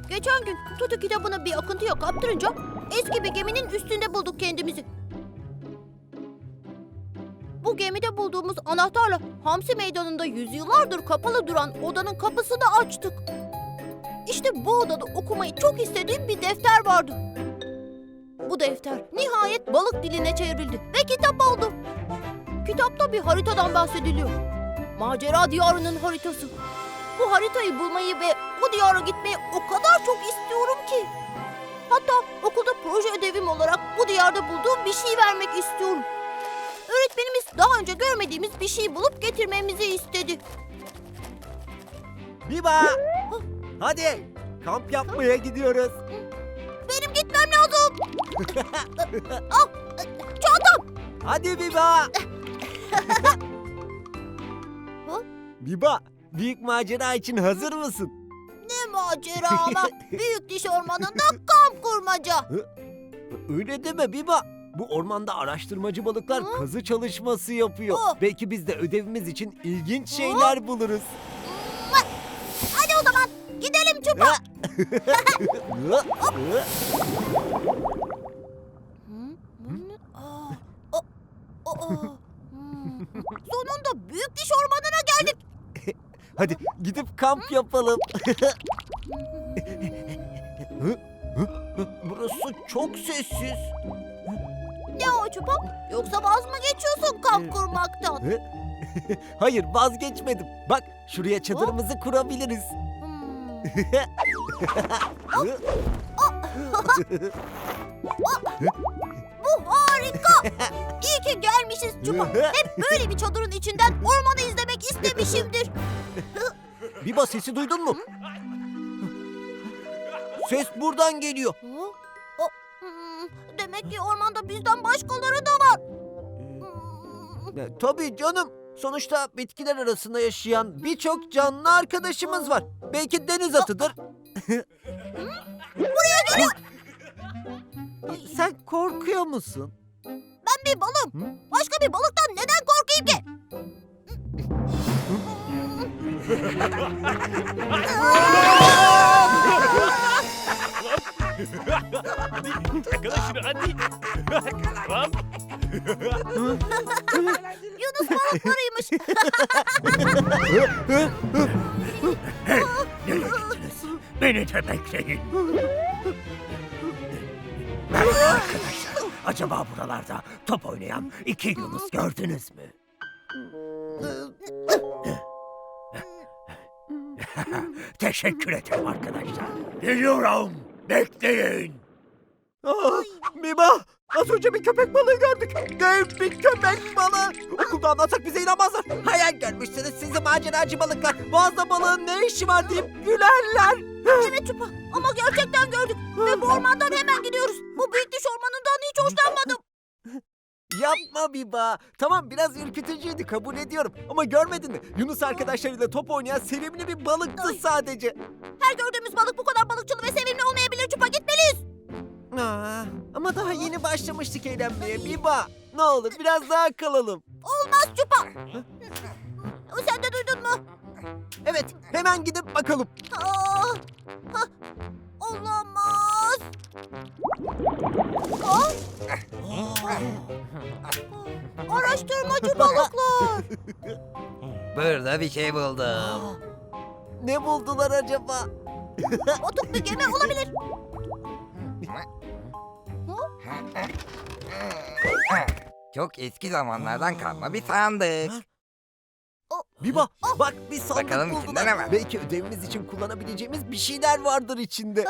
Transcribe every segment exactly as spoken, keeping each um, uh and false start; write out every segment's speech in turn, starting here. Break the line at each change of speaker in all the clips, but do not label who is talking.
Geçen gün Tutu kitabını bir akıntıya kaptırınca eski bir geminin üstünde bulduk kendimizi. Bu gemide bulduğumuz anahtarla Hamsi Meydanı'nda yüzyıllardır kapalı duran odanın kapısını açtık. İşte bu odada okumayı çok istediğim bir defter vardı. Bu defter nihayet balık diline çevrildi ve kitap oldu. Kitapta bir haritadan bahsediliyor. Macera diyarının haritası. Bu haritayı bulmayı ve o diyara gitmeyi o kadar çok istiyorum ki. Hatta okulda proje ödevim olarak bu diyarda bulduğum bir şey vermek istiyorum. Öğretmenimiz daha önce görmediğimiz bir şey bulup getirmemizi istedi.
Biba! Hadi kamp yapmaya gidiyoruz.
Benim gitmem lazım. Ah, çantam.
Hadi Biba! Biba, büyük macera için hazır mısın?
Ne macera ama. Büyük diş ormanında kamp kurmaca.
Öyle deme Biba. Bu ormanda araştırmacı balıklar
Hı?
kazı çalışması yapıyor.
Hı.
Belki biz de ödevimiz için ilginç şeyler buluruz.
Hadi o zaman gidelim Çupa. Aa, o- o- o. Hmm. Sonunda büyük diş ormanına geldik.
Hadi gidip kamp yapalım. Burası çok sessiz.
Ne o Çupa? Yoksa vaz mı geçiyorsun kamp kurmaktan?
Hayır, vazgeçmedim. Bak, şuraya çadırımızı kurabiliriz.
Hmm. Bu harika. İyi ki gelmişiz Çupa. Hep böyle bir çadırın içinden ormanı izlemek istemişimdir.
Biba, sesi duydun mu? Ses buradan geliyor.
Hı? O, hmm, demek ki ormanda bizden başkaları da var. Hmm.
E, tabii canım. Sonuçta bitkiler arasında yaşayan birçok canlı arkadaşımız var. Belki deniz atıdır.
Buraya geliyor.
Sen korkuyor musun?
Ben bir balım.
Hı?
Başka bir balıktan neden korkayım ki?
Yakala şunu hadi. Tamam.
Yunus balıklarıymış.
Hey, nereye gittiniz? Beni de bekleyin. Merhaba arkadaşlar. Acaba buralarda top oynayan iki Yunus gördünüz mü? Teşekkür ederim arkadaşlar. Geliyorum. Bekleyin.
Aa, Biba, az önce bir köpek balığı gördük. Dev bir köpek balığı. Okulda anlatsak bize inanmazlar. Hayal görmüşsünüz sizi maceracı balıklar. Boğazda balığın ne işi var deyip gülerler.
Evet Çupa ama gerçekten gördük. Ve bu ormandan hemen gidiyoruz. Bu büyük diş ormanından hiç hoşlanmadım.
Yapma Biba. Tamam, biraz ürkütücüydü, kabul ediyorum. Ama görmedin mi? Yunus arkadaşlarıyla top oynayan sevimli bir balıktı
Ay.
sadece.
Her gördüğümüz balık bu kadar balıkçılı ve sevimli olmayabilir Çupa. Gitmeliyiz.
Aa, ama daha yeni başlamıştık eğlenmeye Biba. Ne olur biraz daha kalalım.
Olmaz Çupa. Sen de duydun mu?
Evet, hemen gidip bakalım.
Aa, ha, olamaz. Aa, araştırmacı balıklar.
Burada bir şey buldum.
Ne buldular acaba?
Batık bir gemi olabilir.
Çok eski zamanlardan kalma bir sandık.
Biba, bak bir sandık
Bakalım
buldular.
içinde ne var?
Belki ödevimiz için kullanabileceğimiz bir şeyler vardır içinde.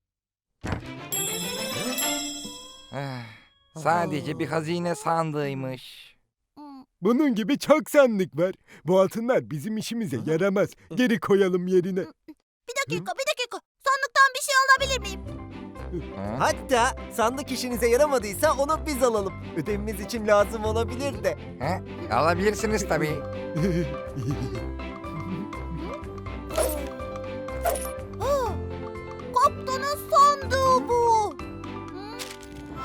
Ah, Sadece bir hazine sandığıymış.
Hmm,
Bunun gibi çok sandık var. Bu altınlar bizim işimize yaramaz. Geri koyalım yerine.
Bir dakika, bir dakika. Sandıktan bir şey alabilir miyim?
Ha?
Hatta sandık işinize yaramadıysa onu biz alalım. Ödevimiz için lazım olabilir de.
Ha? Alabilirsiniz tabii.
Aa, kaptanın sandığı bu. Hmm,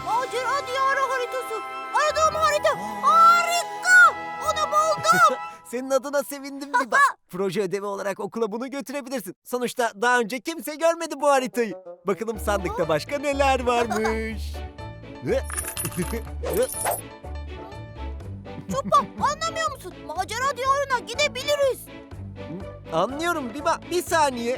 macera diyarı haritası. Aradığım harita. Harika. Onu buldum.
Senin adına sevindim Biba. Proje ödevi olarak okula bunu götürebilirsin. Sonuçta daha önce kimse görmedi bu haritayı. Bakalım sandıkta başka neler varmış.
Çupa, anlamıyor musun? Macera diyarına gidebiliriz.
Anlıyorum Biba. Bir saniye.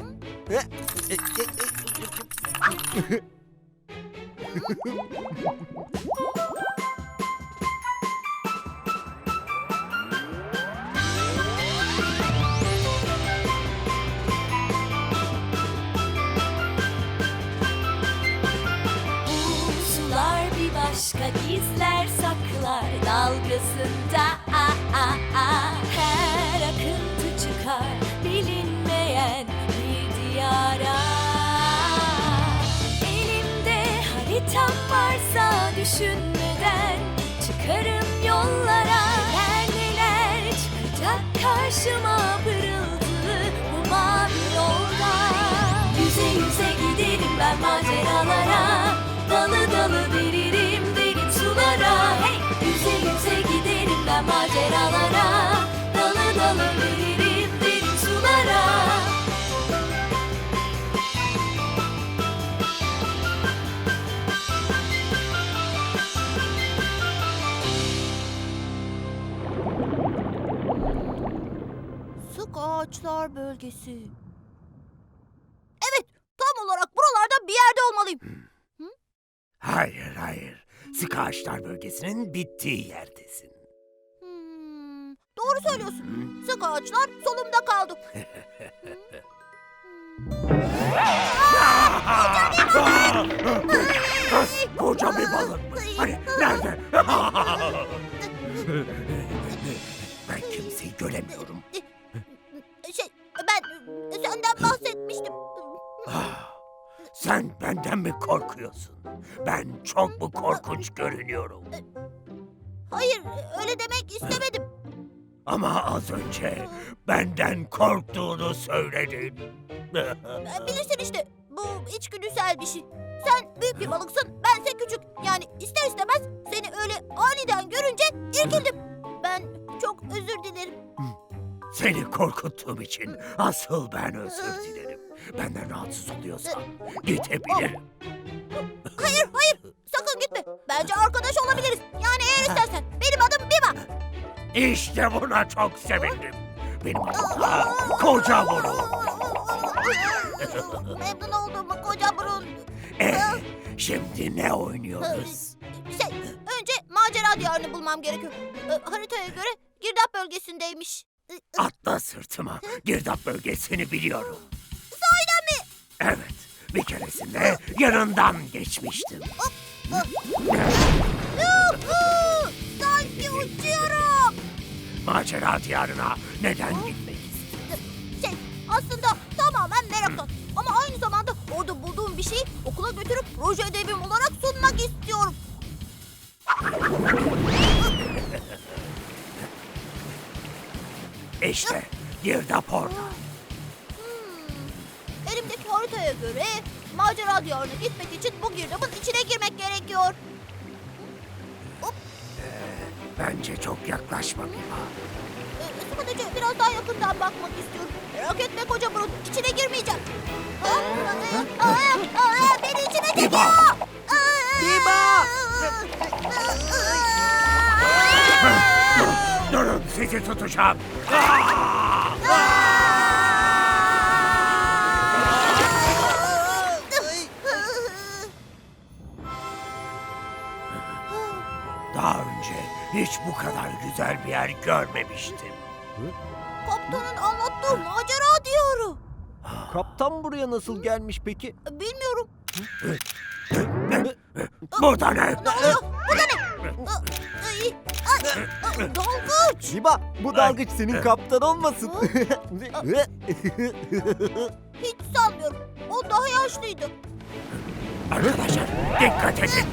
Sular bir başka gizler saklar dalgasında a a a her akıntı çıkar bilinmeyen bir diyara. Elimde haritam varsa düşünmeden çıkarım yollara. Neler neler çıkacak karşıma pırıltılı bu mavi yolda. Yüze yüze giderim ben maceralara. Dalı dalı veririm derin sulara. Hey! Yüze yüze giderim ben maceralara. Dalı dalı veririm derin sulara.
Sık ağaçlar bölgesi. Evet, tam olarak buralarda bir yerde olmalıyım.
Hayır hayır. Sık ağaçlar bölgesinin bittiği yerdesin.
Hmm, doğru söylüyorsun. Sık ağaçlar solumda kaldı.
Koca bir balık. Hani nerede? Ben kimseyi göremiyorum.
Şey, ben senden bahsetmiştim.
Sen benden mi korkuyorsun? Ben çok mu korkunç görünüyorum?
Hayır, öyle demek istemedim.
Ama az önce benden korktuğunu söyledin.
Bilirsin işte, bu içgüdüsel bir şey. Sen büyük bir balıksın, bense küçük. Yani ister istemez seni öyle aniden görünce irkildim. Ben çok özür dilerim.
Seni korkuttuğum için asıl ben özür dilerim. Benden rahatsız oluyorsan gidebilirim.
Hayır, hayır, sakın gitme. Bence arkadaş olabiliriz. Yani eğer istersen. Benim adım Biba.
İşte buna çok sevindim. Benim adım da Koca Burun.
Memnun oldum koca burun.
Ee, şimdi ne oynuyoruz?
Şey, önce macera diyarını bulmam gerekiyor. Ee, haritaya göre girdap bölgesindeymiş.
Atla sırtıma. Girdap bölgesini biliyorum.
Sahiden mi?
Evet. Bir keresinde yanından geçmiştim.
Yuhu! Sanki uçuyorum.
Macera diyarına neden gitmek istiyorsun?
Şey, aslında tamamen meraktan. Ama aynı zamanda orada bulduğum bir şeyi okula götürüp proje ödevim olarak sunmak istiyorum.
İşte girdap orada.
Hmm, elimdeki haritaya göre macera diyarına gitmek için bu girdabın içine girmek gerekiyor.
Bence çok yaklaşma Biba.
Ee, sadece biraz daha yakından bakmak istiyorum. Merak etme koca burun, içine girmeyeceğim. Aa, aa, aa, aa, beni içine çekiyor.
Biba!
Aa,
Biba!
Durun sizi tutacağım. Daha önce hiç bu kadar güzel bir yer görmemiştim.
Kaptanın anlattığı macera diyarı.
Kaptan buraya nasıl gelmiş peki?
Bilmiyorum.
Burada ne?
Ne oluyor? Bu da ne? Aa, ay, ay, aa, dalgıç.
Biba, bu dalgıç senin kaptan olmasın.
Hiç sanmıyorum. O daha yaşlıydı.
Arkadaşlar dikkat edin.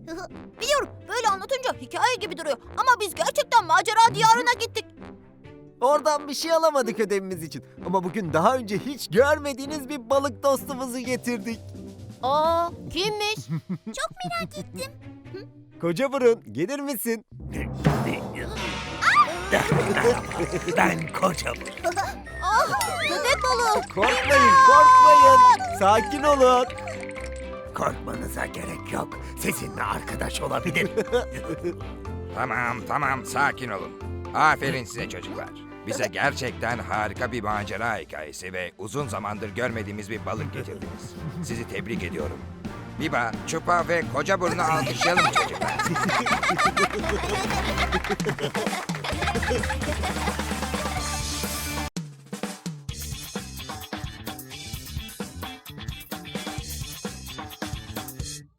Biliyorum, böyle anlatınca hikaye gibi duruyor. Ama biz gerçekten macera diyarına gittik.
Oradan bir şey alamadık ödevimiz için. Ama bugün daha önce hiç görmediğiniz bir balık dostumuzu getirdik.
Aa, kimmiş?
Koca burun, gelir misin?
Ben kocam.
Köpek balığı.
Korkmayın, korkmayın. Sakin olun.
Korkmanıza gerek yok. Sizinle arkadaş olabilir.
Tamam tamam sakin olun. Aferin size çocuklar. Bize gerçekten harika bir macera hikayesi ve uzun zamandır görmediğimiz bir balık getirdiniz. Sizi tebrik ediyorum. Biba, Çupa ve Koca Burun'u alkışlayalım çocuklar.